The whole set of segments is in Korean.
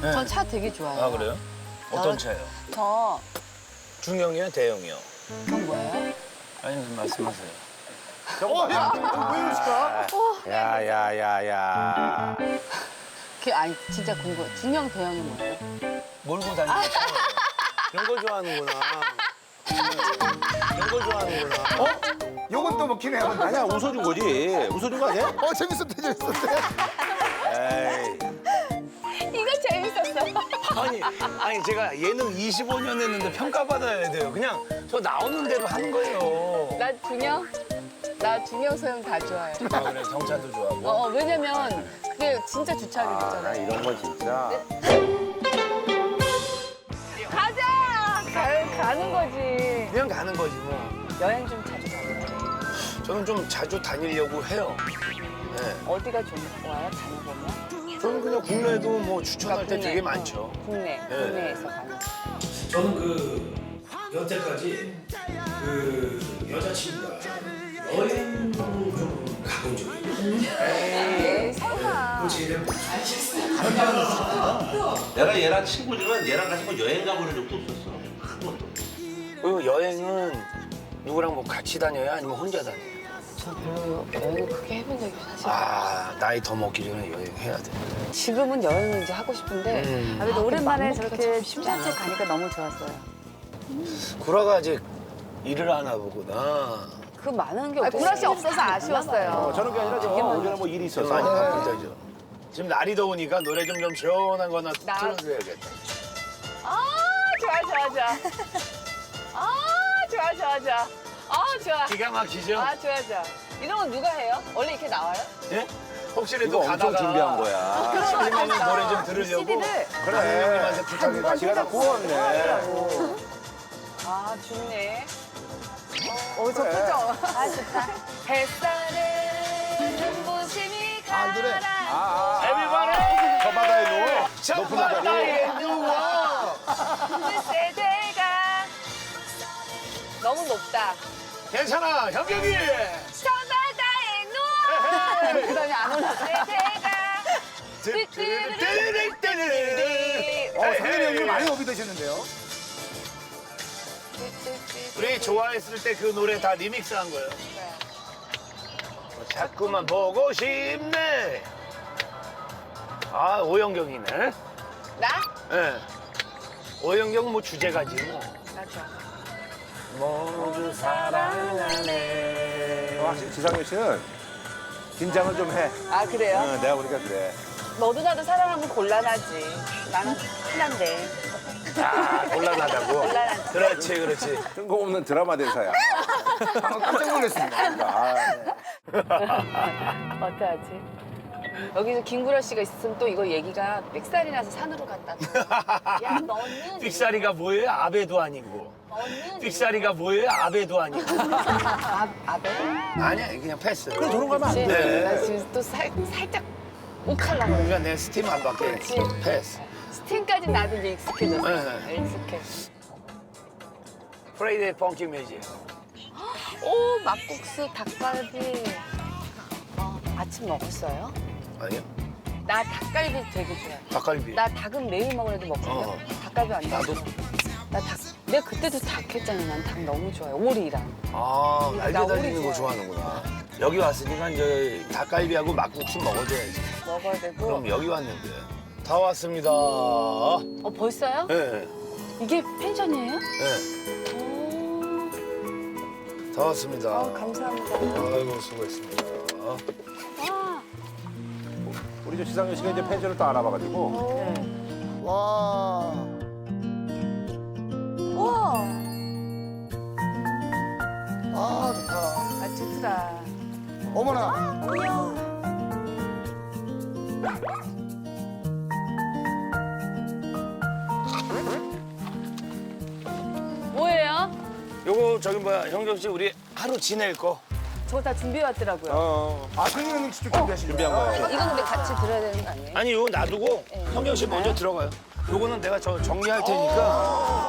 전 차 되게 좋아해요. 아 그래요? 어떤 차요? 저 중형이요, 대형이요? 그건 뭐예요? 아니 무슨 말씀하세요? 왜 이러실까? 야야야야. 아니 진짜 궁금해. 중형 대형이 뭐예요? 몰고 다니는 차. 이런 거 좋아하는구나. 이런 거 좋아하는구나. 요건 또 먹히네. 아니야 웃어준 거지. 웃어준 거 아니야? 재밌었대, 재밌었대. 에이. 이거 재밌었어. 아니 제가 예능 25년 했는데 평가받아야 돼요. 그냥 저 나오는 대로 하는 거예요. 나 중형 소형 다 좋아해. 아 그래 경찰도 좋아하고. 왜냐면 그게 진짜 주차하기 나 좋잖아. 이런 거 진짜. 가자! 가는 거지. 그냥 가는 거지 뭐. 여행 좀 자주 가요. 저는 좀 자주 다니려고 해요. 네. 어디가 좋아요? 다녀보면? 저는 그냥 국내도 뭐 추천할 때 되게 많죠. 국내에서 가는. 저는 그 여태까지 그 여자친구가 여행도 좀 가본 적이 있어요. 설마. 내가 얘랑 친구지만 얘랑 같이 뭐 여행 가보는 적도 없었어. 한 번도. 그리고 여행은 누구랑 뭐 같이 다녀요? 아니면 혼자 다녀요? 저 별로 여행을 크게 해본 적이 사실. 아 나이 더 먹기 전에 여행해야 돼. 지금은 여행을 이제 하고 싶은데. 그래도 오랜만에 맘먹기가 저렇게 참 쉽지 않아. 심산책 가니까 너무 좋았어요. 구라가 아직 일을 하나 보구나. 그 많은 게 없어요. 구라 씨 없어서 아쉬웠어요. 저런 게 아니라 저 오전에 뭐 일이 있어서. 많이 바쁘다죠. 지금 날이 더우니까 노래 좀 시원한 거나 틀어줘야겠다. 좋아. 기가 막히죠? 좋아. 이런 건 누가 해요? 원래 이렇게 나와요? 예? 혹시라도 이거 엄청 가다가 준비한 거야. 심리면 노래 좀 들으려고 CD를 그래. 형님한테 부탁해가지고 지가 다 구웠네. 좋네. 저 표정. 좋다. 햇살에 눈부심이 이 노래. 에비바리! 저 바다에 누워. 저 높은 바다로. 바다에 누워! 세대가 너무 높다. 괜찮아, 현경이! 저 바다에 누워. 그 다음에 안 올라. 세대가 띠리리리리리리. 상현이 형님 많이 업이 되셨는데요. 우리 좋아했을 때 그 노래 다 리믹스한 거예요. 자꾸만 보고 싶네. 아, 오영경이네. 나? 예. 오영경 뭐 주제가지 뭐. 맞아. 모두 사랑하네. 확실히 지상렬 씨는 긴장을 좀 해. 그래요? 응, 내가 보니까 그래. 너도 나도 사랑하면 곤란하지. 나는 흔한데. 곤란하다고? 곤란하지. 그렇지. 뜬금없는 드라마 대사야. 방금 깜짝 놀랐습니다. 아, 어떡하지? 여기서 김구라 씨가 있으면 또 이거 얘기가 삑살이 나서 산으로 갔다. 야, 너는. 삑사리가 뭐예요? 아베도 아니고. 너는. 삑사리가 뭐예요? 아베도 아니고. 아베? 아니야, 그냥 패스. 그래 저런 거 하면 안 돼. 네. 나 지금 또 살짝 욱하려고. 그러니까 내 스팀 안 받게. 그렇지. 패스. 스팀까지 나도 이제 익숙해졌어. 네. 익숙해. 프레이데이 펑키 뮤직. 오, 막국수, 닭갈비. 아침 먹었어요? 아니요? 나 닭갈비 되게 좋아해. 닭갈비. 나 닭은 매일 먹으래도 먹거든. 어. 닭갈비 안 나도. 먹어. 나 닭. 내가 그때도 닭 했잖아. 난 닭 너무 좋아해. 오리랑. 아, 날개 나 달리는 오리 거 좋아해. 좋아하는구나. 여기 왔으니까 이제 닭갈비하고 막국수 먹어줘야지. 먹어야 되고. 그럼 여기 왔는데. 다 왔습니다. 벌써요? 네, 이게 펜션이에요? 네. 오. 다 왔습니다. 감사합니다. 아이고, 수고했습니다. 와. 우리 저 지상렬 씨가 이제 펜션을 또 알아봐가지고. 와. 우와. 좋다. 좋더라. 어머나. 뭐예요? 요거 저기 뭐야, 형경 씨 우리 하루 지낼 거. 저거 다 준비해 왔더라고요. 상현이 형님 직접 준비하신 준비한 거예요? 거예요. 이건 근데 같이 들어야 되는 거 아니에요? 아니, 요거 놔두고 형경 씨 먼저 들어가요. 요거는 내가 저 정리할 테니까.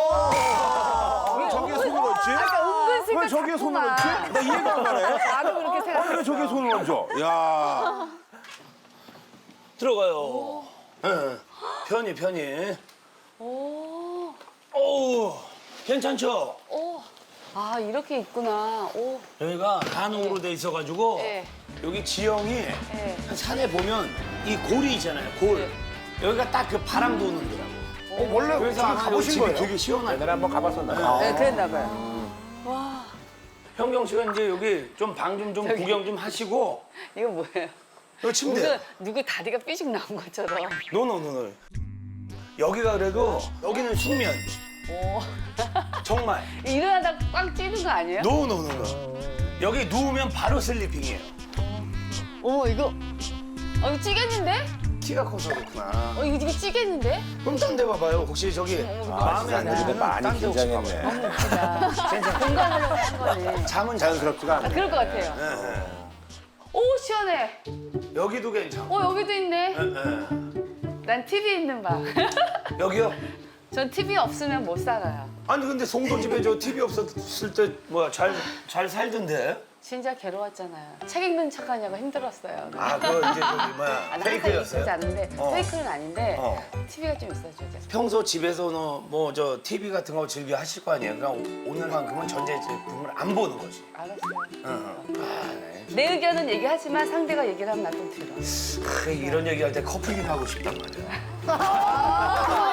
왜 저기에 손을 얹지? 은근슬쩍 왜 저기에 손을 얹지? 자꾸만. 나 이해가 안 가네. 나도 그렇게 생각해. 왜 저기에 손을 얹어? 야. 들어가요. 예. 편히. 오. 오, 괜찮죠? 오. 아, 이렇게 있구나. 오. 여기가 한옥으로 돼 있어가지고 네. 여기 지형이 네. 산에 보면 이 골이 있잖아요. 골. 네. 여기가 딱 그 바람 도는 데라고. 원래 그래서 저기 아마 여기 가보신 집이 거예요? 되게 시원하요. 옛날에 한번 가봤었나요? 네, 그랬나 봐요. 와. 현경 씨가 이제 여기 좀 방 좀 구경 좀 하시고 이거 뭐예요? 여기 침대. 누구 다리가 삐죽 나온 것처럼. 노노노노. 여기가 그래도 여기는 숙면. 오. 정말. 일어나다 꽉 찌는 거 아니에요? 노노노노. 여기 누우면 바로 슬리핑이에요. 어머, 이거. 이거 찌겠는데? 키가 커서 그렇구나. 이거 찌겠는데? 그럼 딴 데 봐봐요. 혹시 저기 마음에 안 근데 드는 많이 딴데 혹시 긴장했네. 봐봐요. 너무 웃기다. 공감하려고 한 거네. 잠은 자연스럽지가 않네. 그럴 것 같아요. 예, 예. 오, 시원해. 여기도 괜찮고. 여기도 있네. 예, 예. 난 TV 있는 방. 여기요? 전 TV 없으면 못 살아요. 아니 근데 송도 집에 저 TV 없었을 때 뭐야 잘 살던데? 진짜 괴로웠잖아요. 책 읽는 척하냐고 힘들었어요. 아 그거 이제 저기 나 뭐야 항상 읽지 페이크였어요? 않은데 페이크는 아닌데 어. TV가 좀 있어줘야 돼. 평소 집에서 뭐 저 TV 같은 거 즐겨 하실 거 아니에요? 그러니까 오늘만큼은 전자제품을 안 보는 거지. 알았어요. 내 의견은 얘기하지만 상대가 얘기를 하면 나 좀 들어. 이런 얘기할 때 커플링 하고 싶단 말이야.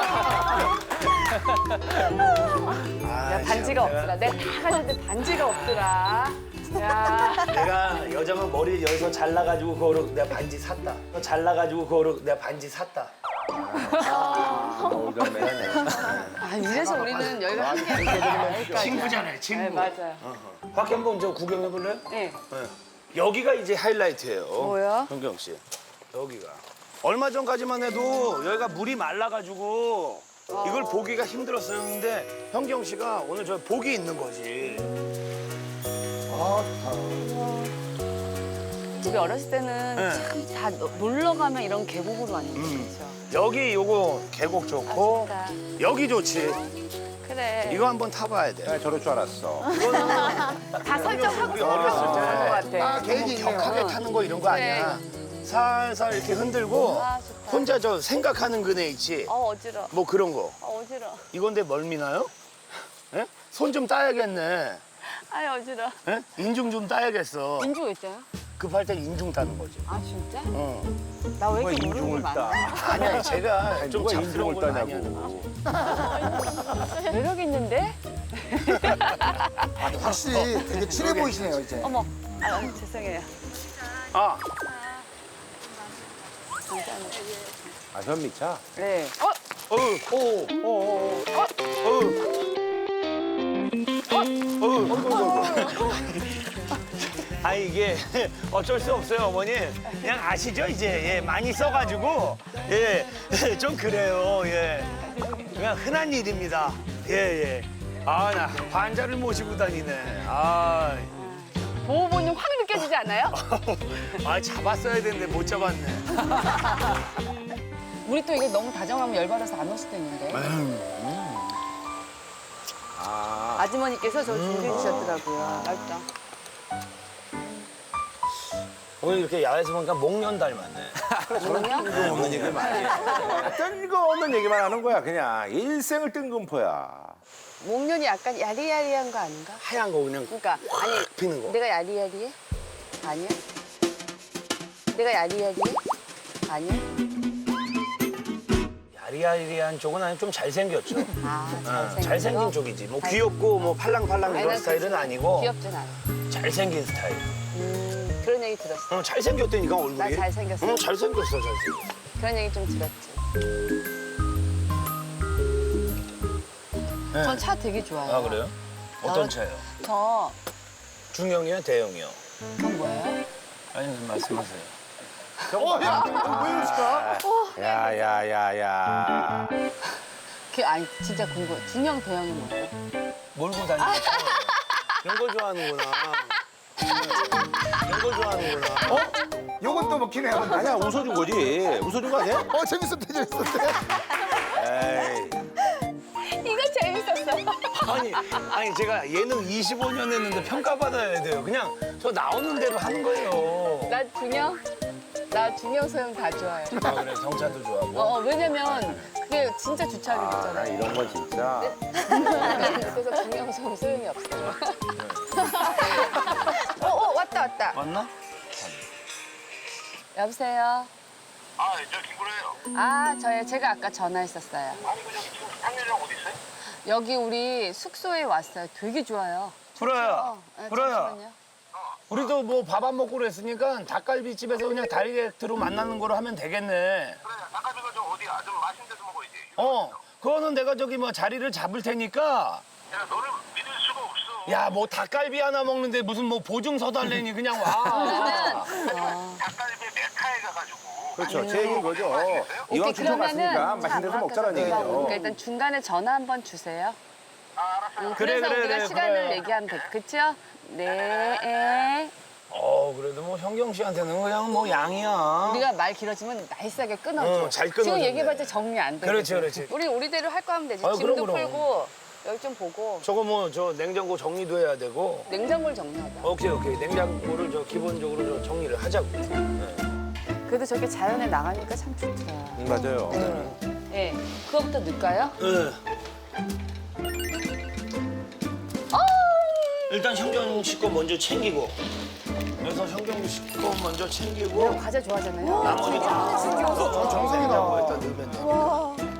야, 반지가 없더라. 내가 다 가졌는데 반지가 없더라. 야. 내가 여자가 머리 여기서 잘라가지고 그거로 내가 반지 샀다. 잘라가지고 그거로 내가 반지 샀다. 이런 매네. 아, 이래서 우리는 여기가 함께 친구잖아요, 친구. 네, 맞아요. 밖에 한번 저 구경해 볼래요? 네. 여기가 이제 하이라이트예요. 뭐요? 현경 씨. 여기가. 얼마 전까지만 해도 여기가 물이 말라가지고 이걸 보기가 힘들었어요. 근데 현경 씨가 오늘 저 복이 있는 거지. 아, 좋다. 우리 어렸을 때는 네. 참 다 놀러 가면 이런 계곡으로 왔는데 그렇죠. 여기 요거 계곡 좋고 좋다. 여기 좋지. 그래. 이거 한번 타봐야 돼. 나 저럴 줄 알았어. 다 설정하고 우리 어렸을 때 그런 것 같아. 아, 계획이 있네요. 격하게 타는 거 이런 거 아니야. 살살 이렇게 흔들고 아, 좋다. 혼자 저 생각하는 그네 있지. 어지러. 뭐 그런 거. 어지러. 이건데 멀미나요? 예? 손 좀 따야겠네. 아이 어지러. 예? 인중 좀 따야겠어. 인주가 있어요? 급할 때 인중 따는 거지. 아 진짜? 어. 나 왜 누가 이렇게 모르는 게 인중을 많아? 따? 아니야, 제가 좀 누가 잡스러운 인중을 걸 많이 하는 따냐고. 거지. 매력 있는데? 확실히 되게 친해 보이시네요, 이제. 어머. 아 죄송해요. 아, 아, 현미차? 네. 아 이게 어쩔 수 없어요, 어머니. 그냥 아시죠, 이제. 예, 많이 써가지고 예, 좀 그래요. 예, 그냥 흔한 일입니다. 예, 예. 아, 나 환자를 모시고 다니네. 아, 보호본능 확 느껴지지 않아요? 아 잡았어야 되는데 못 잡았네. 우리 또 이거 너무 다정하면 열받아서 안 올 수도 있는데. 아, 아주머니께서 저 준비해 주셨더라고요. 맛있다. 오늘 이렇게 야외에서 보니까 목련 닮았네. 뭐냐? 어머니 그 말이. 뜬금없는 얘기만 하는 거야, 그냥. 일생을 뜬금포야. 목련이 약간 야리야리한 거 아닌가? 하얀 거 그냥 그러니까 아니 피는 거. 내가 야리야리해? 아니야? 내가 야리야리해? 아니야? 야리야리한 쪽은 아니 좀 잘생겼죠. 아 잘생긴 잘생긴 거? 쪽이지. 뭐 귀엽고 뭐 팔랑팔랑 이런 아니, 스타일은 아니고 귀엽진 않아. 잘생긴 스타일. 그런 얘기 들었어. 잘생겼다니까 얼굴이. 나 잘생겼어? 잘생겼어, 잘생겼어. 그런 얘기 좀 들었지. 전 차 되게 좋아해요. 아 그래요? 어떤 차요? 저 중형이요, 대형이요? 그건 뭐예요? 아니 말씀하세요. 야, 왜 이러실까? 야. 아니 진짜 궁금해. 중형 대형이 뭐예요? 몰고 다니는 거. 이런 걸 좋아하는구나. 이런 걸 좋아하는구나. 요건 또 먹히네요. 아니야, 웃어준 거지. 웃어준 거 아니야? 재밌었대, 재밌었대. 에이. 이거 재밌었어. 아니 제가 예능 25년 했는데 평가받아야 돼요. 그냥 저 나오는 대로 하는 거예요. 나 중형? 나 중형 소형 다 좋아해. 아, 그래 경찰도 좋아하고. 왜냐면 그게 진짜 주착이 나 됐잖아요. 이런 건 진짜. 그래서 중형 소형 소용이 없어요. 왔다. 맞나? 여보세요. 아, 저 김구라예요. 제가 아까 전화했었어요. 아니, 그 저기 지금 상렬이랑 어디 있어요? 여기 우리 숙소에 왔어요. 되게 좋아요. 불어야. 불어야. 잠시만요. 우리도 뭐 밥 안 먹고 그랬으니까 닭갈비집에서 그냥 다이렉트로 만나는 거로 하면 되겠네. 그래, 닭갈비가 좀 어디야? 좀 맛있는 데서 먹어야지. 그거는 내가 저기 뭐 자리를 잡을 테니까. 야, 너를 믿을 수가 없어. 야, 뭐 닭갈비 하나 먹는데 무슨 뭐 보증서 달래니 그냥 와. 닭갈비 메카에 가가지고. 그렇죠. 제 얘기인 거죠. 이왕 춘천 갔으니까 맛있는 데서 먹자라는 얘기죠. 그러니까 일단 중간에 전화 한번 주세요. 아, 알았어. 그래서 그래, 우리가 그래, 시간을 그래. 얘기하면 돼. 그쵸? 네. 그래도 뭐 현경 씨한테는 그냥 뭐 양이야. 우리가 말 길어지면 나이스하게 끊어줘. 잘 끊어줘. 지금 얘기해봤자 정리 안 돼. 그렇지. 우리 우리대로 할 거 하면 되지. 아, 짐도 그럼. 풀고 여기 좀 보고 저거 뭐 저 냉장고 정리도 해야 되고. 냉장고를 정리하자. 오케이. 냉장고를 저 기본적으로 저 정리를 하자고. 그래도 저렇게 자연에 나가니까 참 좋더라. 맞아요. 네. 그거부터 넣을까요? 일단 현경 씨 거 먼저 챙기고. 그래서 현경 씨 거 먼저 챙기고. 과자 좋아하잖아요. 나머지 저 정생이라고 일단 넣으면 돼.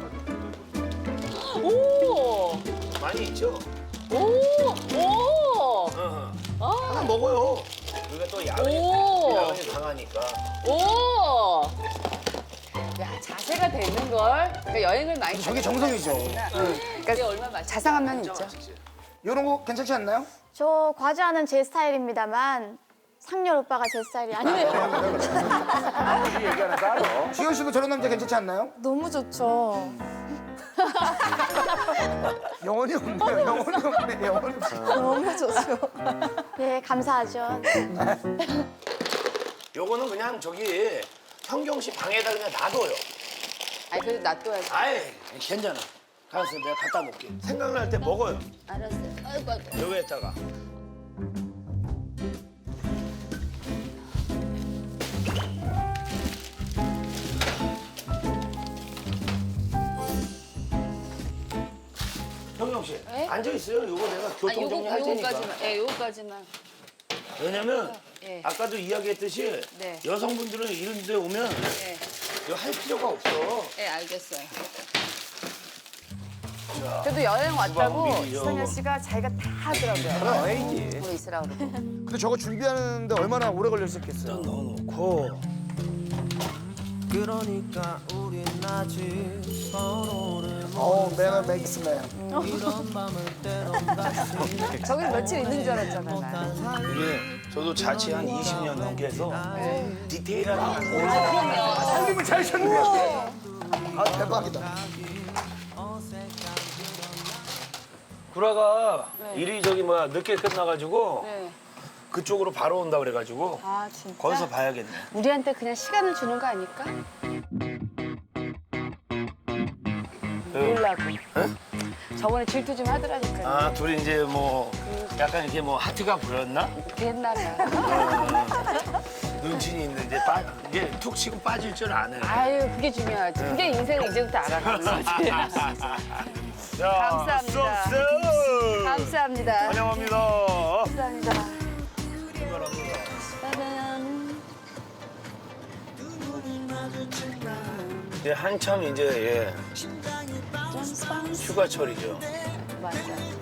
오! 많이 있죠? 오! 하나 먹어요. 우리가 또 야근이 강하니까. 오! 야, 자세가 되는 걸. 그러니까 여행을 많이 저게 정성이죠. 그러니까 얼마 맛있 자상한 면이 있죠. 이런 거 괜찮지 않나요? 저 과자는 제 스타일입니다만 상렬 오빠가 제 스타일이 아니에요. 이 얘기하는 따로. 주현 씨도 저런 남자 괜찮지 않나요? 너무 좋죠. 영혼이 없네요. 영혼이 없어요. 너무 좋죠. 네, 감사하죠. 요거는 그냥 저기 현경 씨 방에다 그냥 놔둬요. 아니, 그래도 놔둬야지. 아이, 괜찮아. 가서 내가 갖다 놓을게. 생각날 때 먹어요. 알았어요. 아이고. 여기에다가. 현경 씨, 네? 앉아 있어요. 요거 내가 교통 정리할 테니까. 요거까지만. 예, 요거까지만. 왜냐면 예. 아까도 이야기했듯이 네. 여성분들은 이런 데 오면 예. 이거 할 필요가 없어. 예, 알겠어요. 그래도 여행 왔다고 주방비리죠. 이상현 씨가 자기가 다 하더라고요. 에이지. 뭐 있으라고 그러고. 근데 저거 준비하는데 얼마나 오래 걸렸었겠어요. 넣어놓고 그러니까 우린 아직 서로를 맨 맥스맨. 이런 맘을 때론 다시 저기 며칠 있는 줄 알았잖아. 나. 이게 저도 자취 한 20년 넘게 해서 디테일하게 살림을 잘 쳤네요. 아, 대박이다. 구라가 일이 저기 뭐야 늦게 끝나가지고 네. 그쪽으로 바로 온다 그래가지고 아, 진짜? 거기서 봐야겠네. 우리한테 그냥 시간을 주는 거 아닐까? 놀라고. 저번에 질투 좀 하더라니까요. 아 둘이 이제 뭐 약간 이렇게 뭐 하트가 보였나? 옛날에. 아, 눈치는 있는데 이제 이게 툭 치고 빠질 줄 아네. 아유, 그게 중요하지. 그게 인생을 이제부터 알아가는 거지. 자, 감사합니다. 쏙쏙. 감사합니다. 환영합니다. 감사합니다. 출발합니다. 짜잔. 이제 한참 이제 휴가철이죠. 맞아.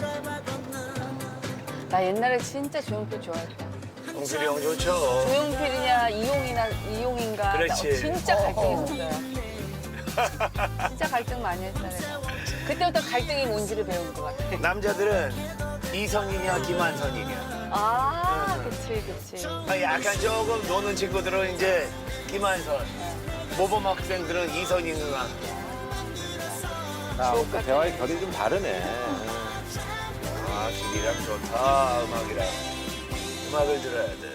나 옛날에 진짜 조용필 좋아했다. 동필이 형 좋죠. 조용필이냐 이용인가. 그렇지. 나 진짜 갈등했었어요. 진짜 갈등 많이 했다 내가. 그때부터 갈등이 뭔지를 배운 것 같아. 남자들은 이선이냐 김한선이냐. 아, 그치. 약간 조금 노는 친구들은 이제 김한선. 모범 학생들은 이선희 누나. 자, 또 대화의 결이 좀 다르네. 아, 길이랑 좋다, 음악이랑. 음악을 들어야 돼.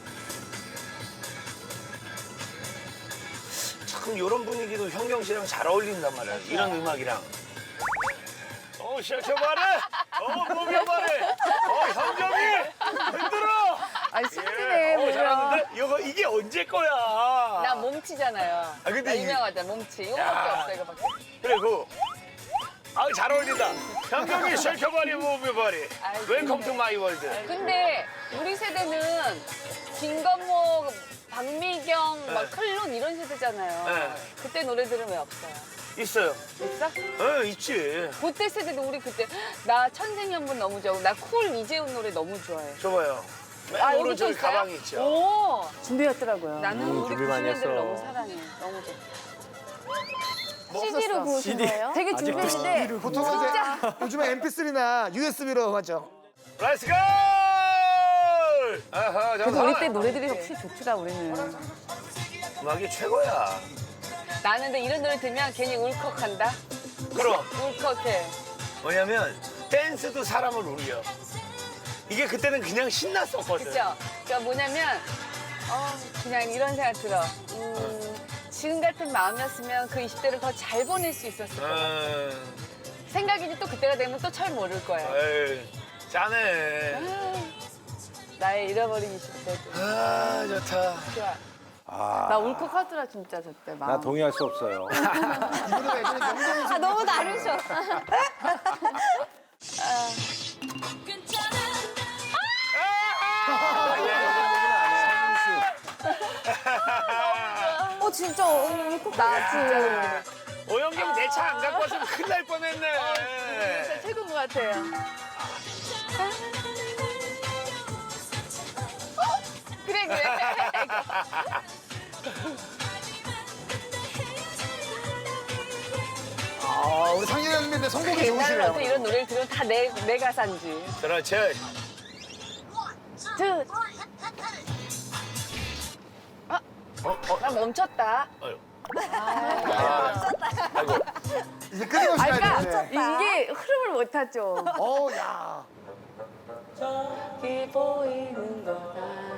참, 이런 분위기도 현경 씨랑 잘 어울린단 말이야. 이런 음악이랑. 시작해봐라! 목여봐라! 현경이! 흔들어! 아니, 승진이 잘해. 잘하는데? 이게 언제 거야? 나 몸치잖아요. 근데 나 이게- 유명하다 몸치. 이거밖에 없어 이거밖에. 그리고 잘 어울린다. 현경이 쉐이커바리 무브바리. 아이고, 웰컴 그래. 투 마이 월드. 근데 우리 세대는 김건모, 박미경, 막 클론 이런 세대잖아요. 네. 그때 노래들은 왜 없어요? 있어요. 있어? 있지. 그때 세대도 우리 그때 나 천생연분 너무 좋아하고 나 쿨 이재훈 노래 너무 좋아해. 줘봐요. 맨 여기 또 오른쪽에 있어요? 가방이 있죠. 오, 준비했더라고요. 나는 우리 준비 많이 90년대를 했어. 너무 사랑해. 너무 좋아. CD로 부르신 거예요? 되게 준비했는데 보통은 이제 요즘에 MP3나 USB로 하죠. 렛츠 고! 아하, 그래도 우리 때 노래들이 확실히 좋더라 우리는. 음악이 최고야. 나는 근데 이런 노래 들으면 괜히 울컥한다. 그럼 울컥해. 뭐냐면 댄스도 사람을 울려. 이게 그때는 그냥 신났었거든. 그죠? 그러니까 뭐냐면 그냥 이런 생각 들어. 지금 같은 마음이었으면 그 20대를 더 잘 보낼 수 있었을 거야. 생각이지 또 그때가 되면 또 철 모를 거야. 에이, 짜네. 나의 잃어버린 20대도. 아, 좋다. 좋아. 나 울컥하더라 진짜 저때 마음. 나 동의할 수 없어요. 이 노래가 예전에 명동에서 아, 너무 다르셔. 진짜 울컥. 나 진짜. 오영경 내 차 안 갖고 왔으면 큰일 날 진짜 뻔했네. 최고인 것 같아요. 그래 그래. 우리 상진현님인데 선곡이 옛날에 좋으시네요. 어떤 이런 노래를 들으면 다 내 가사인지. 그렇지. 나 멈췄다. 이제 끊임없이 아, 가야 그러니까 되는데. 이게 흐름을 못 타죠. 야. 저기 보이는 거다.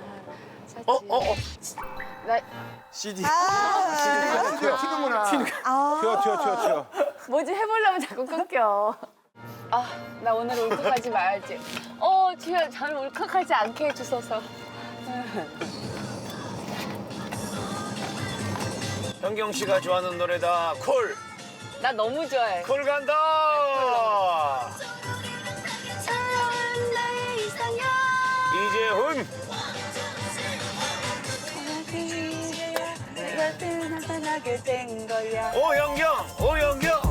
나 CD. 드디어 튀는구나. 튀어. 뭐지 해보려면 자꾸 끊겨. 나 오늘 울컥하지 말지. 주여 저를 울컥하지 않게 해주소서. 현경 씨가 좋아하는 노래다. 콜. 나 너무 좋아해. 콜 간다. 이재훈. 내가 나타나게 된 거야. 오영경.